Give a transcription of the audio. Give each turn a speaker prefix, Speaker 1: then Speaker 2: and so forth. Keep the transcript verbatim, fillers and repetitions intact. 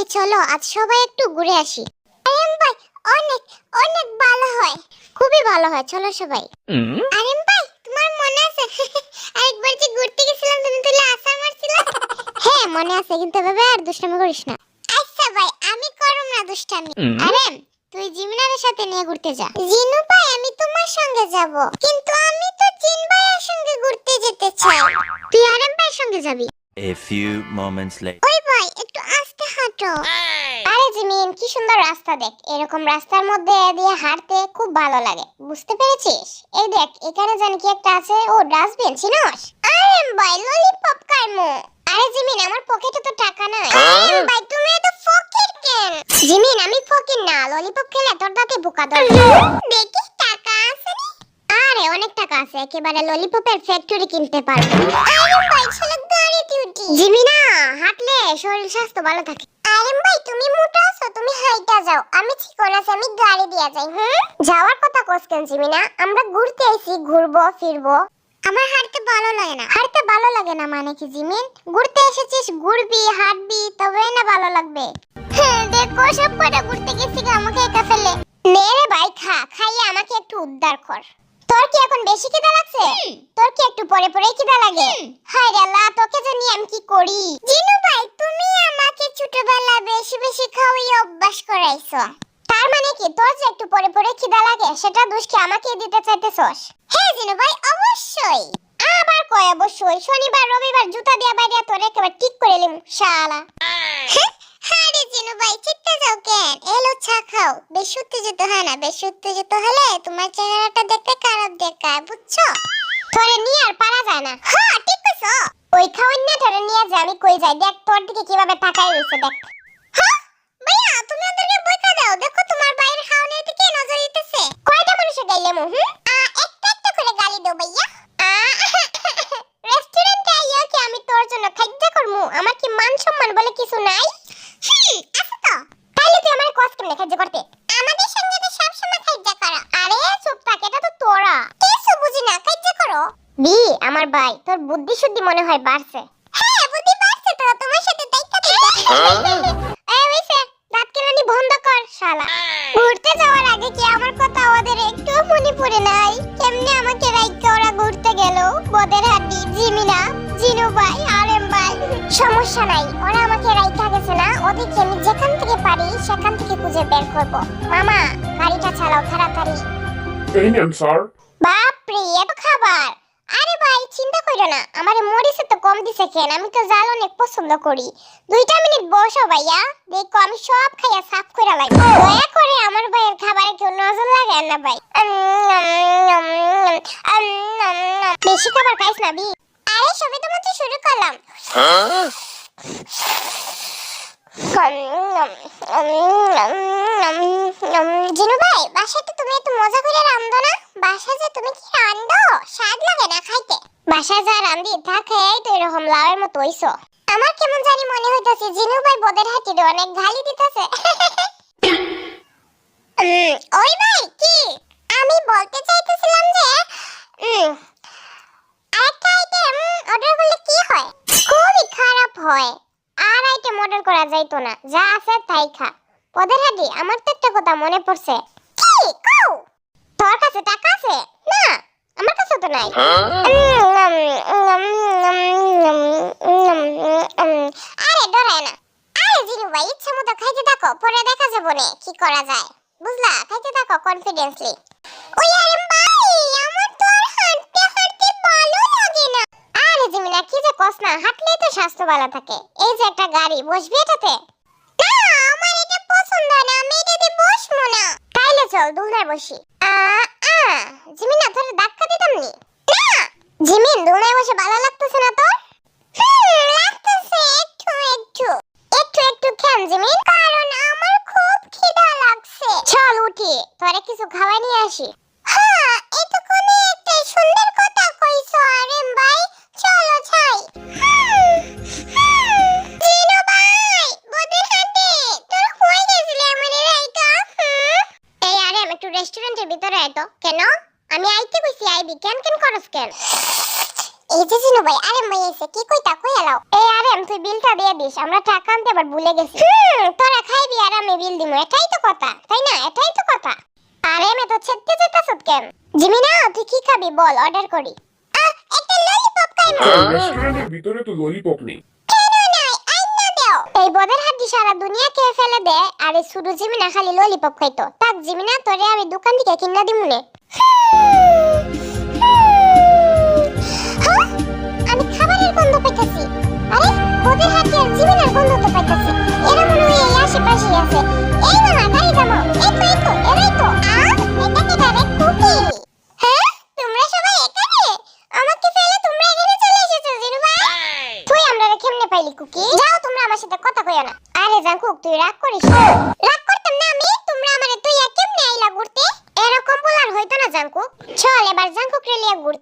Speaker 1: চলো আজ সবাই একটু ঘুরে আসি। আরেম ভাই অনেক অনেক ভালো হয়, খুবই ভালো হয়, চলো সবাই। আরেম ভাই তোমার মনে আছে আরেকবার যে ঘুরতে গেছিলাম তুমি তুলে আসার মারছিলে? হ্যাঁ মনে আছে, কিন্তু এভাবে আর দুষ্টামি করিস না। আচ্ছা ভাই আমি করব না দুষ্টামি। আরেম তুই জিমিনার সাথে নিয়ে ঘুরতে যা। জিনু ভাই আমি তোমার সঙ্গে যাব, কিন্তু আমি তো জিন ভাইয়ের সঙ্গে ঘুরতে যেতে চাই। তুই আরেম ভাইয়ের সঙ্গে যাবি।
Speaker 2: A few moments later.
Speaker 1: ওই ভাই একটু আস্তে হাঁটো। আরে জিমিন কি সুন্দর রাস্তা, দেখ এরকম রাস্তার মধ্যে দিয়ে হাঁটতে খুব ভালো লাগে, বুঝতে পেরেছিস? এই দেখ এখানে জানি কি একটা আছে, ও ডাস্টবিন চিনোস? আরে ভাই ললিপপ খাইমু। আরে জিমিন আমার পকেটে তো টাকা নাই। আরে ভাই তুমি এত ফকির কেন? জিমিন আমি ফকির না, ললিপপ খেলে তোর দাঁতে বোকা ধরবে। দেখি টাকা আছে নি? আরে অনেক টাকা আছে, একেবারে ললিপপের ফ্যাক্টরি কিনতে পারবো। আরে ভাই চলো গাড়িতে উঠি। জিমিনা হাঁটলে শরীর স্বাস্থ্য ভালো থাকে। আরে ভাই তুমি মোটা আছো, তুমি হাইটা যাও, আমি চিকন আছি, আমি গাড়ি দিয়া যাই। হুম যাওয়ার কথা কস কেন জিমিনা? আমরা ঘুরতে আইছি, ঘুরবো ফিরবো। আমার হাঁটতে ভালো লাগে না। হাঁটতে ভালো লাগে না মানে কি জিমিন? ঘুরতে এসেছিস, ঘুরবি হাঁটবি তবে না ভালো লাগবে। হ্যাঁ দেখো সব কটা ঘুরতে গেছি আমাকে একা ফেলে। নে রে ভাই খা, খাইয়ে আমাকে একটু উদ্ধার কর। তোর কি এখন বেশি খিদা লাগছে? তোর কি একটু পরে পরে খিদা লাগে? হায় রে আল্লাহ তোকে জানি আমি কি করি। জিনু ভাই তুমি আমাকে ছোটবেলা বেশি বেশি খাওয়াই অভ্যাস করাইছো। তার মানে কি তোর যে একটু পরে পরে খিদা লাগে সেটা দোষ কি আমাকে দিতে চাইতেছস? হ্যাঁ জিনু ভাই অবশ্যই। আবার কয় অবশ্যই? শনিবার রবিবার জুতা দিয়া বাইরে তোরে একেবারে ঠিক করে লিম শালা। আরে জিনু ভাই চিত্তে যাও কেন? এলো চা খাও। বেশি উত্তেজিত হয় না, বেশি উত্তেজিত হলে তোমার চেহারাটা দেখতে খারাপ দেখায়, বুঝছো? তোরে নিয়ে আর পারা যায় না। হ্যাঁ ঠিক কইছো। ওই খাওয়ান না তোরে নিয়ে যা, আমি কই যাই দেখ তোর দিকে কিভাবে তাকাই রইছে দেখ। হ্যাঁ ভাইয়া তুমি ওদেরকে বইকা দাও, দেখো তোমার বাইরের খাওয়ানোর দিকে নজর দিতেছে। কয়টা মানুষে গাইলে মু? হুম একটা একটা করে গালি দাও ভাইয়া। রেস্টুরেন্টে আইয়া কি আমি তোর জন্য খাদ্য করমু? আমার কি মান সম্মান বলে কিছু নাই? হুম আছে তো। তাইলে তুই আমার কষ্ট কেমনে খাদ্য করতে? আমাদের সঙ্গে তো সব সময় খাদ্য করা। আরে চুপ থাক, এটা তো তোরা কিছু বুঝি না, খাদ্য করো। বি আমার ভাই তোর বুদ্ধি শুদ্ধি মনে হয় বাড়ছে। হ্যাঁ বুদ্ধি বাড়ছে তো, তোমার সাথে দাইকা দিতে। এই হইছে, দাঁত কেলানি বন্ধ কর শালা। ঘুরতে যাওয়ার আগে কি আমার কথা ওদের একটু মনে পড়ে নাই? কেমনে আমাকে রাইকা ওরা ঘুরতে গেল? বদের হাড্ডি জিমিনা জিনু ভাই আরেম ভাই। সমস্যা নাই, ওরা আমাকে রাইকা গেছে না, ওদেরকে আমি যেখান থেকে পারি সেখান থেকে খুঁজে বের করব। মামা গাড়িটা চালাও তাড়াতাড়ি।
Speaker 3: এই নেন স্যার।
Speaker 1: বাপরে এত খাবার! আরে ভাই চিন্তা কইরো না, আমারে মরিচে তো কম দিছে কেন, আমি তো জাল অনেক পছন্দ করি। দুইটা মিনিট বসো ভাইয়া, দেখো আমি সব খাইয়া সাফ কইরা লাই। দয়া করে আমার ভাইয়ের খাবারে কেউ নজর লাগায় না ভাই। বেশি খাবার খাইস না বি। আরে সবে তো মাত্র শুরু করলাম। জিনু ভাই বাসাতে তুমি একটু মজা করে রান্ধো না? বাসা যে তুমি কি রান্ধো, স্বাদ লাগে না খাইতে। বাসা যা রান্ধি তা খেয়েই তো এরকম লাউয়ের মতো হইছো। আমার কেমন জানি মনে হইতাছে জিনু ভাই বদের হাতিরে অনেক গালি দিতেছে। ওই ভাই কি আমি বলতে চাইতেছিলাম যে আরেকটা আইটেম অর্ডার করলে কি হয়? খুবই খারাপ হয়। আর আইটেম অর্ডার করা যাইতো না, যা আছে তাই খা। পদের হাডি আমার তো একটা কথা মনে পড়ছে। কি কও? তোর কাছে টাকা আছে? না আমার কাছে তো নাই। আরে ডরায় না। আরে জিনু ভাই ইচ্ছা মতো খাইতে থাকো, পরে দেখা যাবে না কি করা যায়, বুঝলা? খাইতে থাকো কনফিডেন্সলি। ওই আরে ভাই আমার তো আর হাঁটতে হাঁটতে ভালো লাগে না। আরে জিমিনা কি যে কস না, হাঁটলেই তো স্বাস্থ্য ভালো থাকে। এই যে একটা গাড়ি, বসবি এটাতে? না আমার এটা পছন্দ না, আমি এটাতে বসবো না। তাইলে চল দোলনায় বসি। আ আ জিমিনা তোর ধাক্কা দিতাম নি? না জিমিন দোলনায় বসে ভালো লাগতেছে না তোর? হুম লাগতেছে একটু একটু। একটু একটু কেন জিমিন? কারণ আমার খুব খিদা লাগছে। চল উঠি তোরে কিছু খাওয়াই নিয়ে আসি। হ্যাঁ এটা কোনে একটা সুন্দর কথা কইছো আরেম ভাই, চলো যাই। জিনু ভাই বদের হাতে তোর কই গেছিলি আমারে রাইকা? এই আরেম একটু রেস্টুরেন্টের ভিতরে আয় তো। কেন? আমি আইতে কইছি আইবি, কেন কেন করস কেন? এই যে জিনু ভাই, আরে মই এসে কি কইতা কই এলাও। এই আরে তুই বিলটা দিয়ে দিস, আমরা টাকা আনতে আবার ভুলে গেছি। হুম, তোরা খাইবি আর আমি বিল দিমু, এটাই তো কথা, তাই না? এটাই তো কথা। আরে মে তো ছেড়তে যেতাছত কেন? জিমিনা তুই কি খাবি বল, অর্ডার করি। আহ, একটা ললিপপ খাইমু।
Speaker 3: রেস্টুরেন্টের ভিতরে তো ললিপপ নেই।
Speaker 1: কেন নাই, আইনা দাও। এই বদের হাড্ডি সারা দুনিয়া খেয়ে ফেলে দে, আর এই শুধু জিমিনা খালি ললিপপ খাইতো। তাক জিমিনা, তোরে আমি দোকান থেকে কিনা দিমুনে। হ্যাঁ, আমি খাবারের গন্ধ পাইতাছি। আরে বদের হাড্ডি আর জিমিনার গন্ধ তো পাইতাছি। এরা মনে হয় এই আশেপাশেই আছে। এই মামা গাড়ি থামাও। এই তো এই তো এরাই তো। আহ, এটা কি ডাইরেক্ট কুকি? হ্যাঁ, তোমরা সবাই এখানে? আমাকে ফেলে তোমরা এখানে চলে এসেছো জিনু ভাই? তুই আমরারে কেমনে পাইলি কুকি? যাও তোমরা আমার সাথে কথা কইও না। আরে জাঙ্কুক তুই রাগ করিস না। রাগ করতাম না আমি, তোমরা আমারে তুই কেমনে আইলা ঘুরতে? এরকম বলার হইতো না জাঙ্কুক। চল এবার জাঙ্কুক রে লিয়া ঘুরতে।